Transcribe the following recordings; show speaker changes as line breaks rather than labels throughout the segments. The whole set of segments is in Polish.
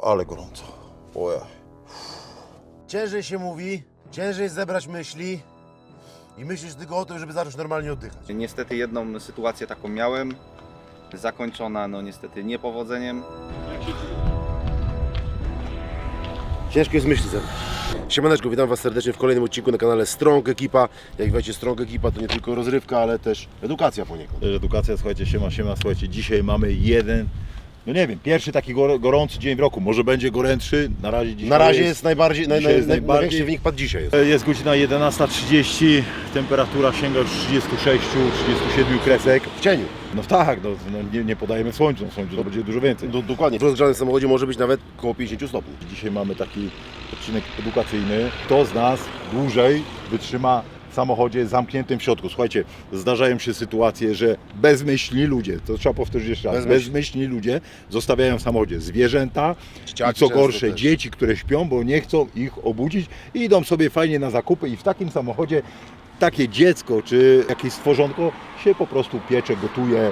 Ale gorąco. Ojej.
Ciężej się mówi, ciężej zebrać myśli i myślisz tylko o tym, żeby zacząć normalnie oddychać.
Niestety jedną sytuację taką miałem, zakończona no niestety niepowodzeniem.
Ciężko jest myśli zebrać. Siemaneczko, witam Was serdecznie w kolejnym odcinku na kanale Strong Ekipa. Jak wiecie, Strong Ekipa to nie tylko rozrywka, ale też edukacja poniekąd.
Też edukacja, słuchajcie, siema, słuchajcie, dzisiaj mamy jeden, no nie wiem, pierwszy taki gorący dzień w roku, może będzie gorętszy, na razie dzisiaj
Na razie jest najbardziej,
dzisiaj jest najbardziej.
największy wynik padł dzisiaj.
Jest godzina 11:30, temperatura sięga już 36-37 kresek.
W cieniu.
No tak, nie podajemy słońcu, no słońcu to będzie dużo więcej.
Dokładnie. W rozgrzanym samochodzie może być nawet około 50 stopni.
Dzisiaj mamy taki odcinek edukacyjny. Kto z nas dłużej wytrzyma w samochodzie zamkniętym w środku? Słuchajcie, zdarzają się sytuacje, że bezmyślni ludzie, to trzeba powtórzyć jeszcze raz, bezmyślni ludzie zostawiają w samochodzie zwierzęta
Dzieciaki
i co
często
gorsze,
też.
dzieci, które śpią, bo nie chcą ich obudzić i idą sobie fajnie na zakupy i w takim samochodzie takie dziecko czy jakieś stworzonko się po prostu piecze, gotuje,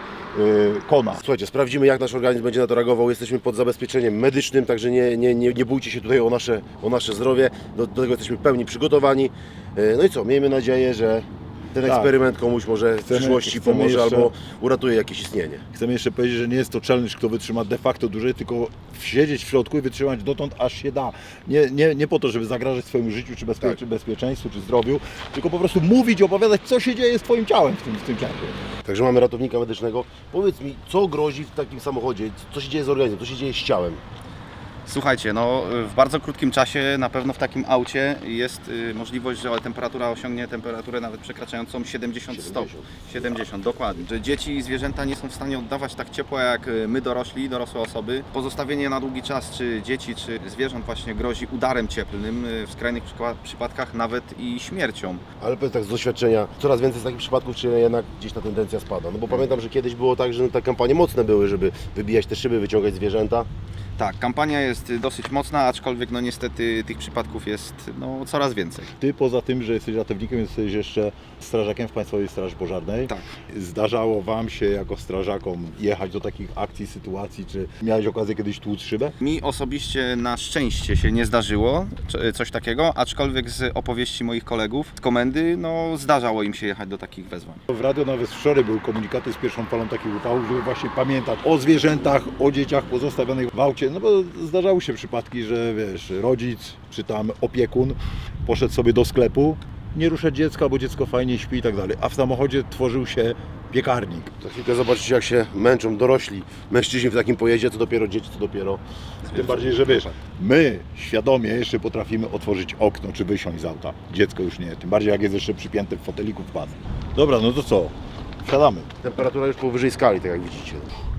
kona.
Słuchajcie, sprawdzimy, jak nasz organizm będzie na to reagował. Jesteśmy pod zabezpieczeniem medycznym, także nie bójcie się tutaj o nasze zdrowie. Do tego jesteśmy w pełni przygotowani. No i co, miejmy nadzieję, że ten
Tak.
eksperyment komuś może w przyszłości pomoże
jeszcze-
albo uratuje jakieś istnienie.
Chcemy jeszcze powiedzieć, że nie jest to challenge, kto wytrzyma de facto dłużej, tylko siedzieć w środku i wytrzymać dotąd, aż się da. Nie po to, żeby zagrażać swojemu życiu, czy bezpieczeństwu, czy zdrowiu, tylko po prostu mówić, opowiadać, co się dzieje z Twoim ciałem w tym czasie.
Także mamy ratownika medycznego. Powiedz mi, co grozi w takim samochodzie? Co się dzieje z organizmem? Co się dzieje z ciałem?
Słuchajcie, no w bardzo krótkim czasie na pewno w takim aucie jest możliwość, że temperatura osiągnie temperaturę nawet przekraczającą 70 stopni. 70, dokładnie. Że dzieci i zwierzęta nie są w stanie oddawać tak ciepła jak my dorośli, dorosłe osoby. Pozostawienie na długi czas czy dzieci, czy zwierząt właśnie grozi udarem cieplnym, w skrajnych przypadkach nawet i śmiercią.
Ale powiedz tak z doświadczenia, coraz więcej z takich przypadków, czy jednak gdzieś ta tendencja spada? No bo pamiętam, że kiedyś było tak, że te kampanie mocne były, żeby wybijać te szyby, wyciągać zwierzęta.
Tak, kampania jest dosyć mocna, aczkolwiek no niestety tych przypadków jest no, coraz więcej.
Ty poza tym, że jesteś ratownikiem, jesteś jeszcze strażakiem w Państwowej Straży Pożarnej.
Tak.
Zdarzało Wam się jako strażakom jechać do takich akcji, sytuacji, czy miałeś okazję kiedyś tłuc szybę?
Mi osobiście na szczęście się nie zdarzyło coś takiego, aczkolwiek z opowieści moich kolegów z komendy, no zdarzało im się jechać do takich wezwań.
W radio nawet wczoraj były komunikaty z pierwszą falą takich upałów, żeby właśnie pamiętać o zwierzętach, o dzieciach pozostawionych w aucie, no bo zdarzały się przypadki, że wiesz, rodzic czy tam opiekun poszedł sobie do sklepu, nie ruszać dziecka, bo dziecko fajnie śpi i tak dalej, a w samochodzie tworzył się piekarnik.
Za chwilkę zobaczycie, jak się męczą dorośli mężczyźni w takim pojeździe, co dopiero dzieci, co dopiero...
Tym bardziej, że wiesz, my świadomie jeszcze potrafimy otworzyć okno czy wysiąść z auta. Dziecko już nie, tym bardziej jak jest jeszcze przypięte w foteliku w pas. Dobra, no to co? Wsiadamy.
Temperatura już powyżej skali, tak jak widzicie.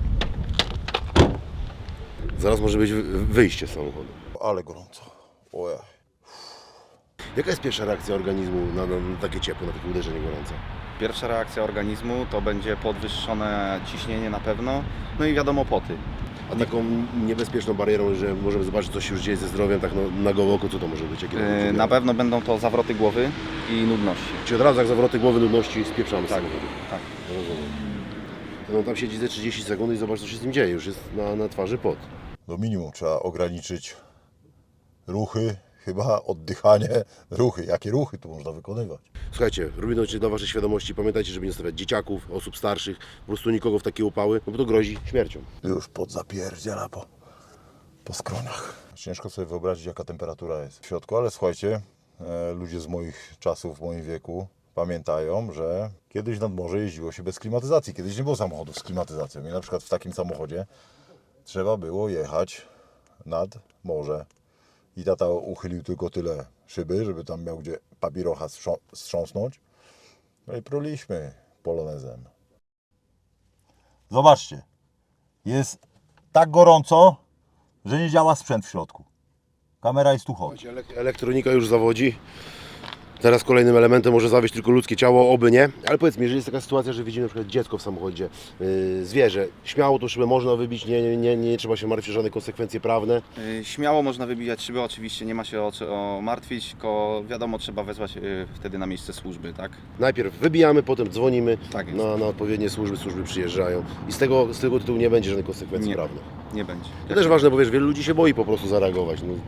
Zaraz może być wyjście z samochodu.
Ale gorąco. Ojej.
Jaka jest pierwsza reakcja organizmu na takie ciepło, na takie uderzenie gorące?
Pierwsza reakcja organizmu to będzie podwyższone ciśnienie na pewno, no i wiadomo poty.
A taką niebezpieczną barierą, że możemy zobaczyć, co się już dzieje ze zdrowiem, tak na gołe oko, co to może być? Jakie to może
Na pewno będą to zawroty głowy i nudności.
Czyli od razu jak zawroty głowy, nudności spieprzamy z
Tak,
samochodu.
tak.
Rozumiem. No tam siedzi ze 30 sekund i zobacz, co się z tym dzieje. Już jest na twarzy pot.
Do minimum trzeba ograniczyć ruchy, chyba oddychanie, ruchy. Jakie ruchy tu można wykonywać?
Słuchajcie, robimy to dla Waszej świadomości. Pamiętajcie, żeby nie stawiać dzieciaków, osób starszych, po prostu nikogo w takie upały, no bo to grozi śmiercią.
Już podzapierdziela po skronach. Ciężko sobie wyobrazić, jaka temperatura jest w środku, ale słuchajcie, ludzie z moich czasów, w moim wieku pamiętają, że kiedyś nad morze jeździło się bez klimatyzacji. Kiedyś nie było samochodów z klimatyzacją i na przykład w takim samochodzie trzeba było jechać nad morze. I tata uchylił tylko tyle szyby, żeby tam miał gdzie papirocha strząsnąć. No i pruliśmy polonezem. Zobaczcie, jest tak gorąco, że nie działa sprzęt w środku. Kamera jest tu chodzi.
Elektronika już zawodzi. Teraz kolejnym elementem może zawieść tylko ludzkie ciało, oby nie. Ale powiedz mi, jeżeli jest taka sytuacja, że widzimy na przykład dziecko w samochodzie, zwierzę, śmiało tą szybę można wybić, nie trzeba się martwić o żadne konsekwencje prawne.
Śmiało można wybijać szyby, oczywiście nie ma się o martwić, tylko wiadomo, trzeba wezwać wtedy na miejsce służby, tak?
Najpierw wybijamy, potem dzwonimy
Tak jest.
na odpowiednie służby przyjeżdżają i z tego tytułu nie będzie żadnych konsekwencji
Nie.
prawnych.
Nie będzie.
To też ważne, bo wiesz, wielu ludzi się boi po prostu zareagować. No.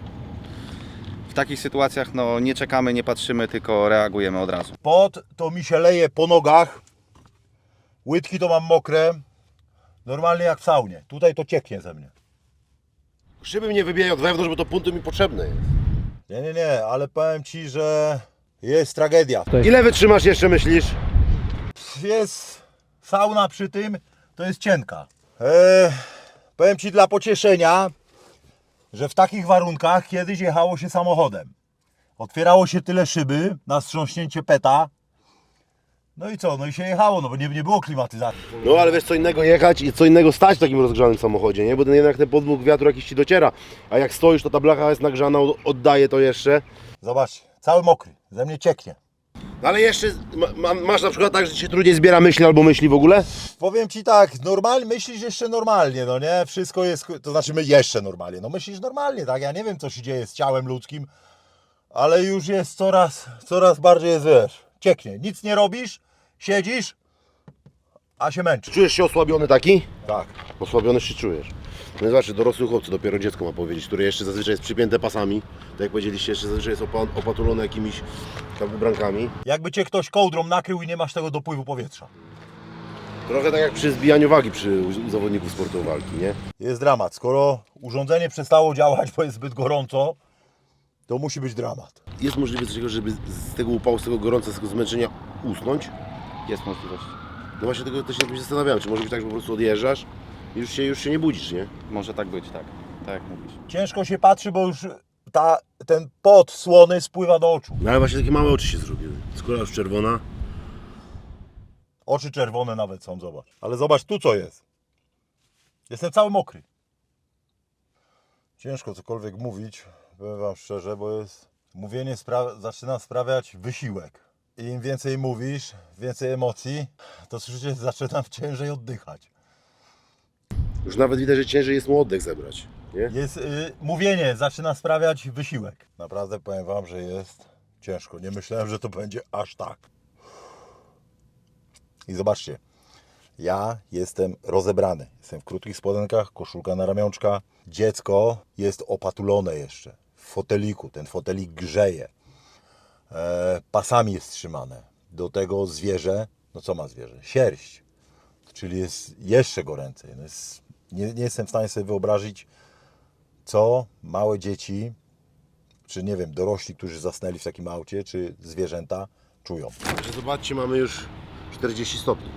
W takich sytuacjach no, nie czekamy, nie patrzymy, tylko reagujemy od razu.
Pot to mi się leje po nogach. Łydki to mam mokre. Normalnie jak w saunie. Tutaj to cieknie ze mnie.
Szyby mnie wybijają od wewnątrz, bo to punty mi potrzebne jest.
Nie, ale powiem Ci, że jest tragedia.
Ile wytrzymasz jeszcze, myślisz?
Jest sauna przy tym, to jest cienka. Powiem Ci dla pocieszenia, że w takich warunkach kiedyś jechało się samochodem. Otwierało się tyle szyby na wstrząśnięcie peta. No i co? No i się jechało, no bo nie było klimatyzacji.
No ale wiesz, co innego jechać i co innego stać w takim rozgrzanym samochodzie, nie? Bo ten jednak ten podmuch wiatru jakiś Ci dociera. A jak stoisz, to ta blacha jest nagrzana, oddaje to jeszcze.
Zobaczcie, cały mokry, ze mnie cieknie.
No ale jeszcze masz na przykład tak, że Ci się trudniej zbiera myśli albo myśli w ogóle?
Powiem Ci tak, normalnie myślisz jeszcze normalnie, no nie? Wszystko jest, to znaczy my jeszcze normalnie, no myślisz normalnie, tak? Ja nie wiem, co się dzieje z ciałem ludzkim, ale już jest coraz bardziej jest, wiesz, cieknie. Nic nie robisz, siedzisz, a się męczysz.
Czujesz się osłabiony taki?
Tak.
Osłabiony się czujesz. No zobaczcie, dorosły chłopcy, dopiero dziecko ma powiedzieć, które jeszcze zazwyczaj jest przypięte pasami. Tak jak powiedzieliście, jeszcze zazwyczaj jest opatulone jakimiś tam ubrankami.
Jakby Cię ktoś kołdrą nakrył i nie masz tego dopływu powietrza.
Trochę tak jak przy zbijaniu wagi u zawodników sportu walki, nie?
Jest dramat. Skoro urządzenie przestało działać, bo jest zbyt gorąco, to musi być dramat.
Jest możliwe coś takiego, żeby z tego upału, z tego gorąca, z tego zmęczenia usnąć?
Jest możliwość.
No właśnie tego też się zastanawiałem, czy może być tak, że po prostu odjeżdżasz i już się nie budzisz, nie?
Może tak być, tak. Tak jak mówisz.
Ciężko się patrzy, bo już ten pot słony spływa do oczu.
No ale właśnie takie małe oczy się zrobiły. Skóra już czerwona.
Oczy czerwone nawet są, zobacz. Ale zobacz tu co jest. Jestem cały mokry. Ciężko cokolwiek mówić, powiem Wam szczerze, bo mówienie zaczyna sprawiać wysiłek. I im więcej mówisz, więcej emocji, to słyszycie, zaczynam ciężej oddychać.
Już nawet widać, że ciężej jest mu oddech zebrać, nie?
Mówienie zaczyna sprawiać wysiłek. Naprawdę powiem Wam, że jest ciężko. Nie myślałem, że to będzie aż tak. I zobaczcie, ja jestem rozebrany. Jestem w krótkich spodenkach, koszulka na ramionczka. Dziecko jest opatulone jeszcze w foteliku. Ten fotelik grzeje. Pasami jest trzymane. Do tego zwierzę, no co ma zwierzę? Sierść. Czyli jest jeszcze goręcej. No nie jestem w stanie sobie wyobrazić, co małe dzieci, czy nie wiem, dorośli, którzy zasnęli w takim aucie, czy zwierzęta czują.
Że zobaczcie, mamy już 40 stopni.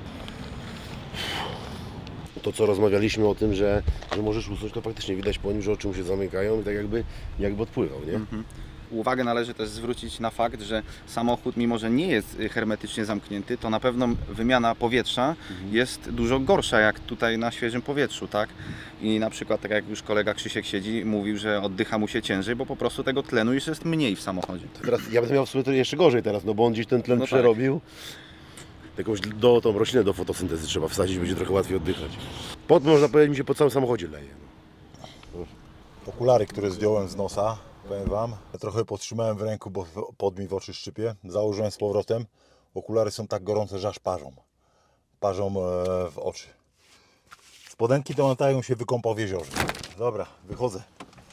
To co rozmawialiśmy o tym, że możesz usnąć, to faktycznie widać po nim, że oczy mu się zamykają i tak jakby odpływał, nie?
Uwagę należy też zwrócić na fakt, że samochód, mimo że nie jest hermetycznie zamknięty, to na pewno wymiana powietrza jest dużo gorsza jak tutaj na świeżym powietrzu, tak? I na przykład, tak jak już kolega Krzysiek siedzi, mówił, że oddycha mu się ciężej, bo po prostu tego tlenu już jest mniej w samochodzie.
Teraz ja będę miał w sumie to jeszcze gorzej teraz, no bo on gdzieś ten tlen
No tak.
przerobił. Jakąś tą roślinę do fotosyntezy trzeba wsadzić, będzie trochę łatwiej oddychać. Pot, można powiedzieć, mi się po całym samochodzie leje.
Okulary, które zdjąłem z nosa, powiem Wam, trochę podtrzymałem w ręku, bo pod mi w oczy szczypie. Założyłem z powrotem. Okulary są tak gorące, że aż parzą. Parzą w oczy. Spodenki to latają się wykąpał w jeziorze. Dobra, wychodzę.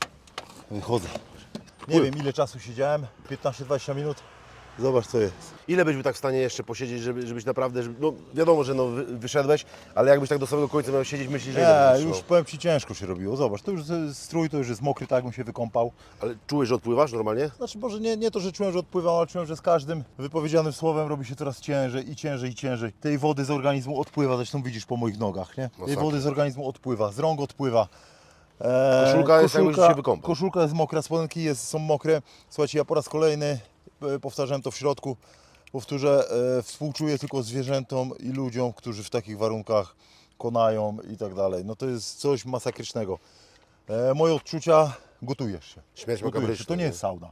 Nie wiem ile czasu siedziałem, 15-20 minut. Zobacz co jest.
Ile byś był tak w stanie jeszcze posiedzieć, żebyś naprawdę, no wiadomo, że wyszedłeś, ale jakbyś tak do samego końca miał siedzieć, myślisz, że ile byś
Nie,
wytrzymał?
już powiem Ci ciężko się robiło. Zobacz, to już strój to już jest mokry, tak jakbym się wykąpał.
Ale czułeś, że odpływasz normalnie?
Znaczy może nie to, że czułem, że odpływam, ale czułem, że z każdym wypowiedzianym słowem robi się coraz ciężej i ciężej i ciężej. Tej wody z organizmu odpływa, zresztą widzisz po moich nogach, nie? Tej
Masakra.
wody z organizmu odpływa, z rąk odpływa.
Koszulka jest, jakbyś się wykąpał.
Koszulka jest mokra, spodenki są mokre. Słuchajcie, ja po raz kolejny powtarzałem to w środku. Powtórzę, współczuję tylko zwierzętom i ludziom, którzy w takich warunkach konają i tak dalej. No to jest coś masakrycznego. Moje odczucia, gotujesz się.
Śmierć
Gotujesz się.
makabryczna,
To nie
nie?
jest sauna.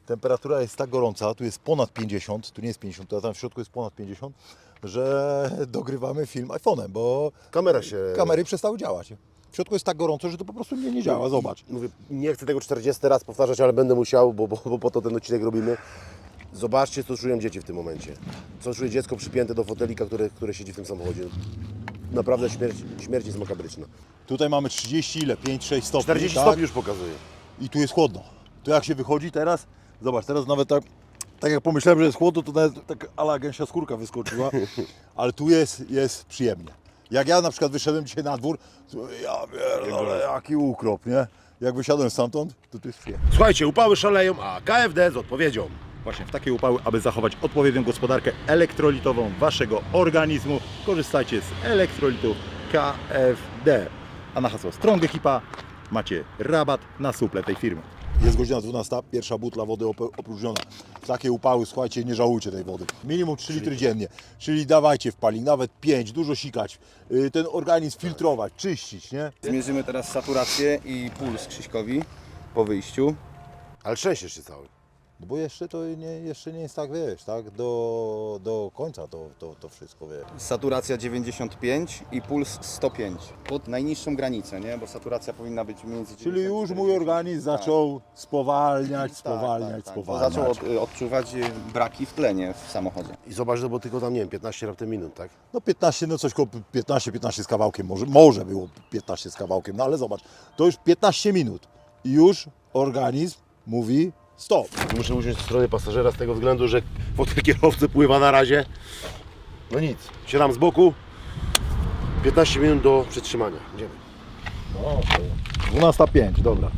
temperatura jest tak gorąca, tu jest ponad 50, tu nie jest 50, a tam w środku jest ponad 50, że dogrywamy film iPhone'em, bo kamery przestały działać. W środku jest tak gorąco, że to po prostu nie działa, zobacz.
Mówię, nie chcę tego 40 raz powtarzać, ale będę musiał, bo po to ten odcinek robimy. Zobaczcie, co czują dzieci w tym momencie. Co czuje dziecko przypięte do fotelika, które siedzi w tym samochodzie. Naprawdę śmierć jest makabryczna.
Tutaj mamy 30 ile? 5-6 stopni.
40
tak?
stopni już pokazuje.
I tu jest chłodno. Tu jak się wychodzi teraz, zobacz, teraz nawet tak jak pomyślałem, że jest chłodno, to nawet tak ala gęsia skórka wyskoczyła, ale tu jest przyjemnie. Jak ja na przykład wyszedłem dzisiaj na dwór, to ja pierdolę, jaki ukrop, nie? Jak wysiadłem stamtąd, to tu jest przyjemnie.
Słuchajcie, upały szaleją, a KFD z odpowiedzią.
Właśnie w takie upały, aby zachować odpowiednią gospodarkę elektrolitową waszego organizmu, korzystajcie z elektrolitów KFD. A na hasło Strong Ekipa macie rabat na suple tej firmy.
Jest godzina 12, pierwsza butla wody opróżniona. W takie upały, słuchajcie, nie żałujcie tej wody. Minimum 3 litry dziennie, czyli dawajcie w palik, nawet 5, dużo sikać, ten organizm filtrować, czyścić, nie?
Zmierzymy teraz saturację i puls Krzyśkowi po wyjściu.
Ale trzęsiesz się cały.
No bo jeszcze to jeszcze nie jest tak, wiesz, tak, do końca to wszystko, wiesz.
Saturacja 95 i puls 105. Pod najniższą granicę, nie? Bo saturacja powinna być między 90
Czyli już mój organizm zaczął spowalniać.
Bo zaczął odczuwać braki w tlenie w samochodzie.
I zobacz, że bo tylko tam, nie wiem, 15 raptem minut, tak?
No 15, no coś koło 15 z kawałkiem, może było 15 z kawałkiem, no ale zobacz, to już 15 minut i już organizm mówi stop.
Muszę usiąść w stronie pasażera z tego względu, że fotel kierowcy pływa na razie. No nic, siadam z boku. 15 minut do przetrzymania. Idziemy.
No, 12:05, dobra.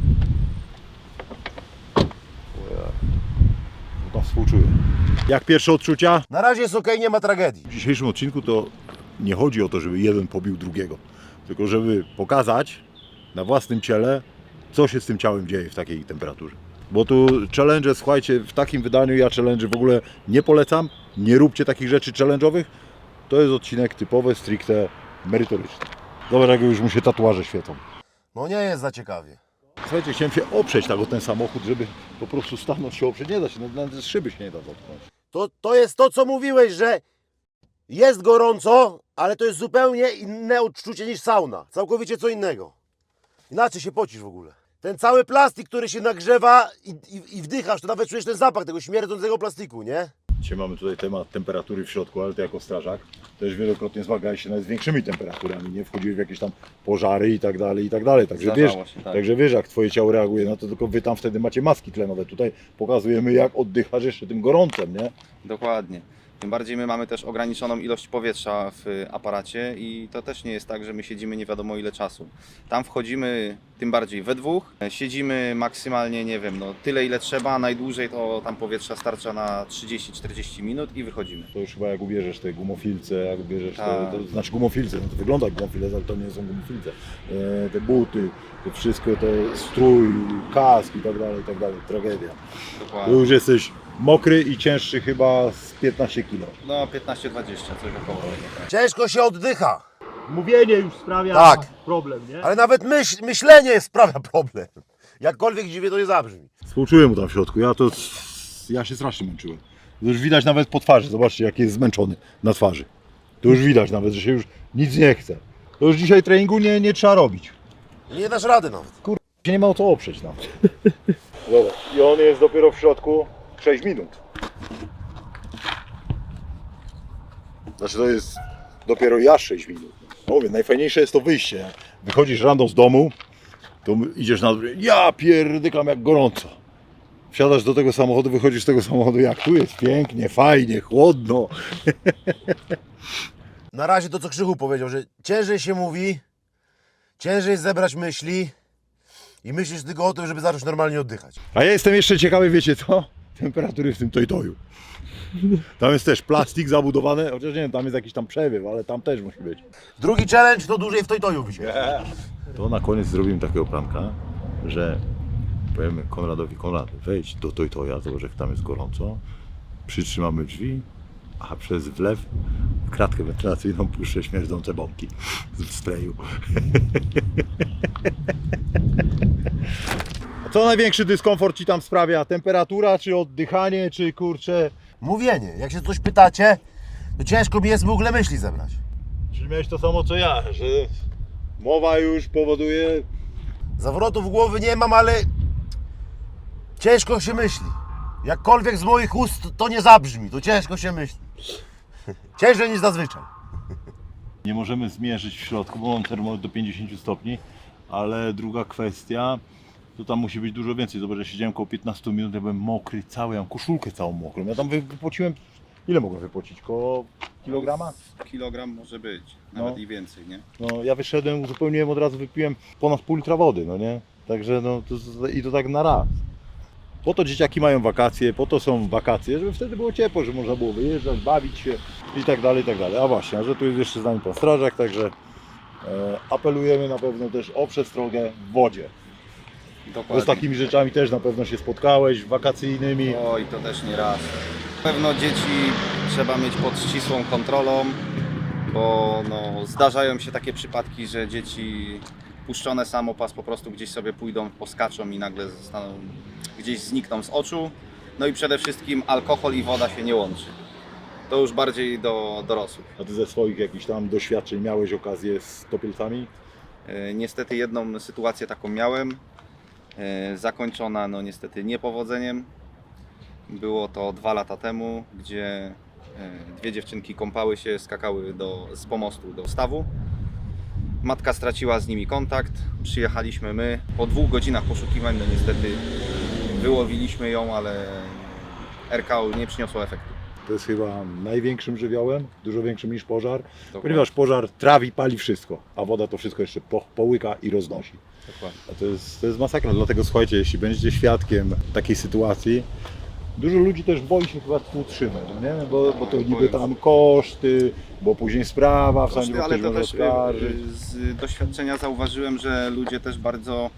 To współczuję. Jak pierwsze odczucia?
Na razie jest okej, nie ma tragedii.
W dzisiejszym odcinku to nie chodzi o to, żeby jeden pobił drugiego, tylko żeby pokazać na własnym ciele, co się z tym ciałem dzieje w takiej temperaturze. Bo tu challenge, słuchajcie, w takim wydaniu ja challenge w ogóle nie polecam. Nie róbcie takich rzeczy challenge'owych. To jest odcinek typowy, stricte merytoryczny. Zobacz, jak już mu się tatuaże świecą.
No nie jest za ciekawie.
Słuchajcie, chciałem się oprzeć tak o ten samochód, żeby po prostu stanąć się oprzeć. Nie da się, nawet z szyby się nie da dotknąć.
To jest to, co mówiłeś, że jest gorąco, ale to jest zupełnie inne odczucie niż sauna. Całkowicie co innego. Inaczej się pocisz w ogóle. Ten cały plastik, który się nagrzewa i wdychasz, to nawet czujesz ten zapach tego śmierdzącego plastiku, nie?
Dzisiaj mamy tutaj temat temperatury w środku, ale ty jako strażak też wielokrotnie zmagałeś się nawet z większymi temperaturami, nie? Wchodziłeś w jakieś tam pożary i tak dalej, i tak dalej. Także wiesz,
Zdarzało się, tak.
także wiesz, jak twoje ciało reaguje na to, tylko wy tam wtedy macie maski tlenowe. Tutaj pokazujemy, jak oddychasz jeszcze tym gorącem, nie?
Dokładnie. Tym bardziej my mamy też ograniczoną ilość powietrza w aparacie i to też nie jest tak, że my siedzimy nie wiadomo ile czasu. Tam wchodzimy tym bardziej we dwóch, siedzimy maksymalnie, nie wiem, no tyle ile trzeba, najdłużej to tam powietrza starcza na 30-40 minut i wychodzimy.
To już chyba jak ubierzesz te gumofilce, jak ubierzesz
Tak.
to znaczy gumofilce, no to wygląda jak gumofilce, ale to nie są gumofilce. Te buty, to wszystko, to strój, kask i tak dalej, tragedia. To
Dokładnie.
już jesteś mokry i cięższy chyba z 15 kg.
No 15-20, coś około tego. Tak.
Ciężko się oddycha,
Mówienie już sprawia
Tak.
problem, nie?
ale nawet myślenie sprawia problem. Jakkolwiek dziwnie to nie zabrzmi.
Współczuję mu tam w środku, ja się strasznie męczyłem. To już widać nawet po twarzy, zobaczcie jak jest zmęczony na twarzy. To już widać nawet, że się już nic nie chce. To już dzisiaj treningu nie trzeba robić.
Nie dasz rady nawet.
Się nie ma o co oprzeć nawet. Dobra. I on jest dopiero w środku 6 minut.
Znaczy to jest dopiero ja 6 minut.
Mówię, najfajniejsze jest to wyjście. Jak wychodzisz rano z domu, to idziesz na dół, ja pierdykam jak gorąco. Wsiadasz do tego samochodu, wychodzisz z tego samochodu, jak tu jest pięknie, fajnie, chłodno.
Na razie to, co Krzychu powiedział, że ciężej się mówi, ciężej jest zebrać myśli i myślisz tylko o tym, żeby zacząć normalnie oddychać.
A ja jestem jeszcze ciekawy, wiecie co? Temperatury w tym Toyotoju. Tam jest też plastik zabudowany, chociaż nie wiem, tam jest jakiś tam przewiew, ale tam też musi być.
Drugi challenge to dłużej w Toytoju wisieć.
To na koniec zrobimy takiego pranka, że powiemy Konradowi, Konrad, wejdź do Toytoja, zobacz jak tam jest gorąco, przytrzymamy drzwi, a przez wlew w kratkę wentylacyjną puszczę śmierdzące bombki z sprayu. Co największy dyskomfort Ci tam sprawia? Temperatura, czy oddychanie, czy kurczę...
Mówienie. Jak się coś pytacie, to ciężko mi jest w ogóle myśli zebrać.
Czyli miałeś to samo co ja, że mowa już powoduje...
Zawrotów głowy nie mam, ale ciężko się myśli. Jakkolwiek z moich ust to nie zabrzmi, to ciężko się myśli. Ciężej niż zazwyczaj.
Nie możemy zmierzyć w środku, bo mam termometr do 50 stopni, ale druga kwestia, to tam musi być dużo więcej. Zobacz, ja siedziałem około 15 minut, ja byłem mokry cały, ja mam koszulkę całą mokrą. Ja tam wypociłem, ile mogłem wypocić? Koło kilograma?
Kilogram może być, nawet i więcej, nie?
No, ja wyszedłem, uzupełniłem, od razu wypiłem ponad pół litra wody, no nie? Także no, i to tak na raz. Po to dzieciaki mają wakacje, po to są wakacje, żeby wtedy było ciepło, żeby można było wyjeżdżać, bawić się i tak dalej, i tak dalej. A właśnie, a że tu jest jeszcze z nami pan strażak, także apelujemy na pewno też o przestrogę w wodzie. Bo z
Dokładnie.
takimi rzeczami też na pewno się spotkałeś, wakacyjnymi.
Oj, to też nie raz. Na pewno dzieci trzeba mieć pod ścisłą kontrolą, bo no, zdarzają się takie przypadki, że dzieci puszczone samopas po prostu gdzieś sobie pójdą, poskaczą i nagle zostaną, gdzieś znikną z oczu. No i przede wszystkim alkohol i woda się nie łączy. To już bardziej do dorosłych.
A ty ze swoich jakichś tam doświadczeń miałeś okazję z topielcami?
Niestety jedną sytuację taką miałem, zakończona no niestety niepowodzeniem. Było to 2 lata temu, gdzie 2 dziewczynki kąpały się, skakały z pomostu do stawu. Matka straciła z nimi kontakt, przyjechaliśmy my. Po 2 godzinach poszukiwań no niestety wyłowiliśmy ją, ale RKO nie przyniosło efektu.
To jest chyba największym żywiołem, dużo większym niż pożar,
Dokładnie.
ponieważ pożar trawi, pali wszystko, a woda to wszystko jeszcze połyka i roznosi.
Dokładnie.
A to jest masakra, dlatego słuchajcie, jeśli będziecie świadkiem takiej sytuacji, dużo ludzi też boi się chyba współtrzymać, no nie? Bo to niby tam koszty, bo później sprawa, w sądzie, bo
Ale
ktoś
to
może
też
oskarżyć.
z doświadczenia zauważyłem, że ludzie też bardzo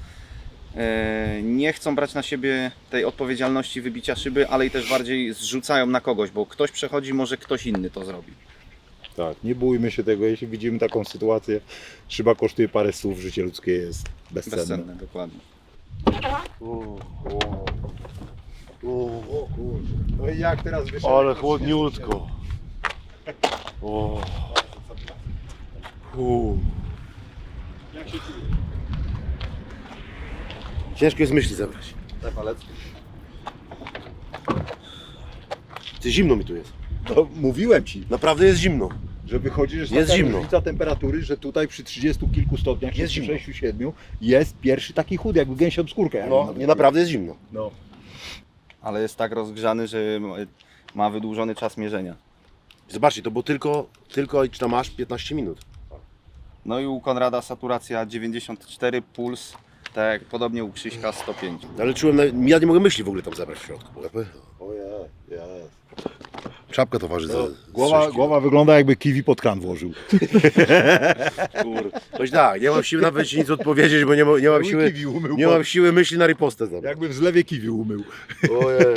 nie chcą brać na siebie tej odpowiedzialności wybicia szyby, ale i też bardziej zrzucają na kogoś, bo ktoś przechodzi, może ktoś inny to zrobi.
Tak, nie bójmy się tego, jeśli widzimy taką sytuację, szyba kosztuje parę słów, życie ludzkie jest bezcenne.
Bezcenne, dokładnie.
O kurczę, no i jak teraz wyszedł?
Ale chłodniutko. O. Ciężko jest myśli zebrać. Ty, zimno mi tu jest.
No, mówiłem Ci,
Naprawdę jest zimno.
że wychodzi, że
Jest
taka
zimno.
różnica temperatury, że tutaj przy 30 kilku stopniach,
Jest zimno.
6-7 jest pierwszy taki chudy, jakby gęsią skórkę. jak
No,
nawet
nie, naprawdę jest zimno.
No.
Ale jest tak rozgrzany, że ma wydłużony czas mierzenia.
Zobaczcie, to było tylko czy tam masz 15 minut.
No i u Konrada saturacja 94, puls, tak jak podobnie u Krzyśka 105.
Ale czułem, ja nie mogę myśli w ogóle tam zebrać w środku.
Ojej,
Czapka to waży za
Głowa wygląda, jakby kiwi pod kran włożył.
Coś tak, nie mam siły nawet ci nic odpowiedzieć, bo nie mam siły,
Kiwi umył,
nie mam siły myśli na ripostę zebrać.
jakby w zlewie kiwi umył.
Ojej.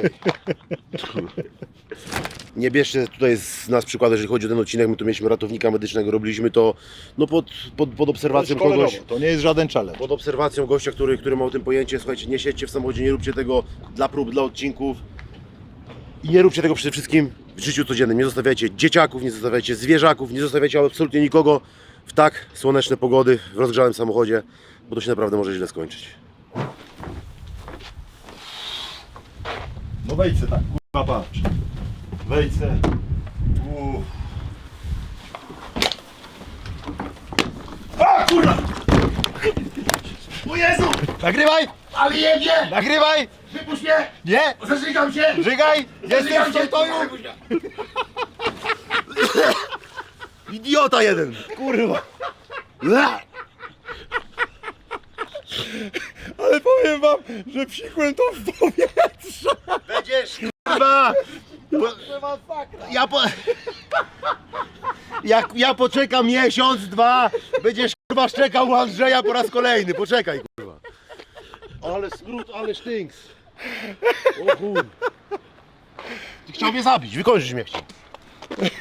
Nie bierzcie tutaj z nas przykładu, jeżeli chodzi o ten odcinek, my tu mieliśmy ratownika medycznego, robiliśmy to no pod obserwacją kogoś.
To nie jest żaden challenge.
Pod obserwacją gościa, który ma o tym pojęcie. Słuchajcie, nie siedźcie w samochodzie, nie róbcie tego dla prób, dla odcinków. I nie róbcie tego przede wszystkim w życiu codziennym. Nie zostawiajcie dzieciaków, nie zostawiajcie zwierzaków, nie zostawiajcie absolutnie nikogo w tak słoneczne pogody, w rozgrzanym samochodzie, bo to się naprawdę może źle skończyć.
No wejdź se tak, kurwa patrz. Wejdź se.
O Jezu!
Nagrywaj!
Ale jedzie!
Nagrywaj!
Wypuść mnie!
Nie!
Zażygam się!
Żygaj! Jestem w pokoju!
Idiota jeden! Kurwa!
Ale powiem wam, że psikłem to w powietrze!
Będziesz kurwa! Ja poczekam miesiąc, 2, będziesz kurwa szczekał u Andrzeja po raz kolejny, poczekaj kurwa. Ale skrót, ale sztynks. O kurwa. Ty chciał mnie zabić, wykończyć mnie chciał.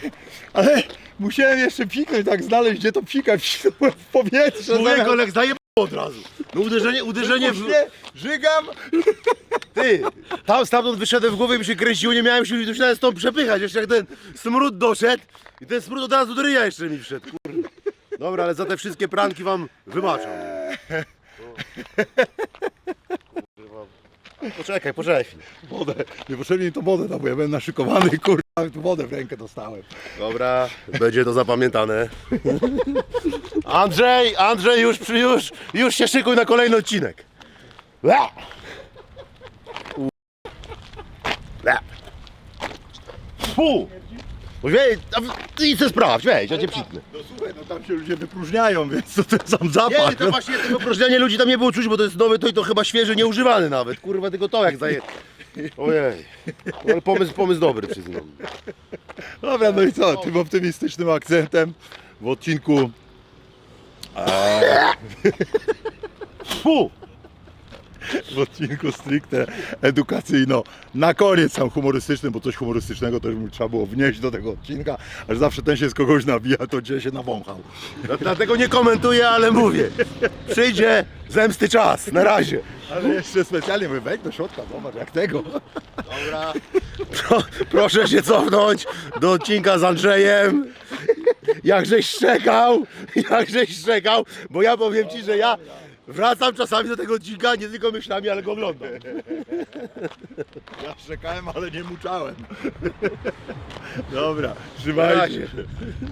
Ale musiałem jeszcze psiknąć, tak znaleźć, gdzie to pika, psiknąłem w powietrze.
Człowiek, ale zdaje od razu. No uderzenie w...
Żygam!
Ty, stamtąd wyszedłem w głowie, mi się kręciło, nie miałem siły, musiałem stąd przepychać, jeszcze jak ten smród doszedł i ten smród od razu do ryja jeszcze mi wszedł, kurde. Dobra, ale za te wszystkie pranki wam wybaczam. Poczekaj chwilę.
Wodę. Niepotrzebnie mi to wodę dał, bo ja byłem naszykowany, kurwa, tu wodę w rękę dostałem.
Dobra, będzie to zapamiętane. Andrzej, już się szykuj na kolejny odcinek. Ła! Ła! Fu! Ty se sprawdź, weź, ja cię psiknę.
No słuchaj, no tam się ludzie wypróżniają, więc to ten sam zapach.
Nie, to właśnie tego opróżniania ludzi tam nie było czuć, bo to jest nowe, to i to chyba świeże, nieużywany nawet. Kurwa, tylko to jak zaje... Ojej, no, ale pomysł dobry, przyznam.
Dobra, no i co, tym optymistycznym akcentem w odcinku
Fu!
w odcinku stricte edukacyjno. Na koniec tam humorystyczny, bo coś humorystycznego też mi trzeba było wnieść do tego odcinka, aż zawsze ten się z kogoś nabija, to gdzie się nawąchał.
Dlatego nie komentuję, ale mówię. Przyjdzie zemsty czas, na razie.
Ale jeszcze specjalnie mówię, wejdź do środka, zobacz jak tego.
Dobra. Proszę się cofnąć do odcinka z Andrzejem. Jakżeś szczekał, bo ja powiem ci, że ja wracam czasami do tego odcinka nie tylko myślami, ale go oglądam.
Ja szczekałem, ale nie muczałem. Dobra,
Na
trzymajcie
razie.
się.